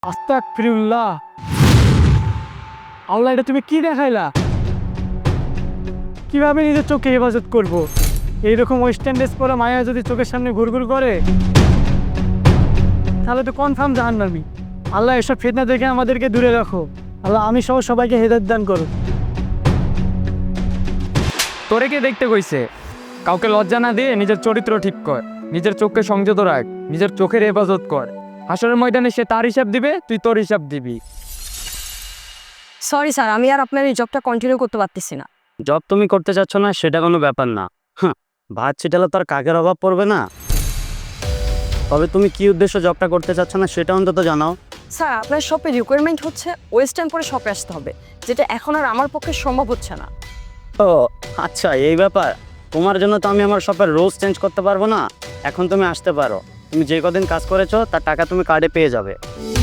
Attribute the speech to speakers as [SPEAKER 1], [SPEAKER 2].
[SPEAKER 1] আস্তাগফিরুল্লাহ। আল্লাহ, এটা তুমি কি দেখাইলা? কিভাবে নিজের চোখে হেফাজত করব? এইরকম ওয়েস্টার্ন ড্রেস পরা মায়া যদি চোখের সামনে ঘুরঘুর করে তাহলে তো কনফার্ম জাহান্নামী। আল্লাহ, এসব ফিতনা থেকে আমাদেরকে দূরে রাখো। আল্লাহ, আমি সহ সবাইকে হেদায়েত দান করো।
[SPEAKER 2] তোরে কে দেখতে কইছে? কাউকে লজ্জা না দিয়ে নিজের চরিত্র ঠিক কর, নিজের চোখকে সংযত রাখ, নিজের চোখের হেফাজত কর। হাসরের ময়দানে সে তার হিসাব দিবে, তুই তোর হিসাব দিবি।
[SPEAKER 3] সরি স্যার, আমি আর আপনার এই জবটা কন্টিনিউ করতে পারতেছি না।
[SPEAKER 4] জব তুমি করতে চাচ্ছ না সেটা কোনো ব্যাপার না। হ্যাঁ, ভাত ছিটালে তো আর কাকের অভাব পড়বে না। তবে তুমি কি উদ্দেশ্য জবটা করতে চাচ্ছ না সেটা অন্তত জানাও।
[SPEAKER 3] স্যার, আপনার শপে রিকোয়ারমেন্ট হচ্ছে ওয়েস্টার্ন পরে শপে আসতে হবে, যেটা এখন আর আমার পক্ষে সম্ভব হচ্ছে না।
[SPEAKER 4] ও আচ্ছা, এই ব্যাপার। তোমার জন্য তো আমি আমার শপের রোজ চেঞ্জ করতে পারবো না। এখন তুমি আসতে পারো। তুমি যে কদিন কাজ করেছো তার টাকা তুমি কার্ডে পেয়ে যাবে।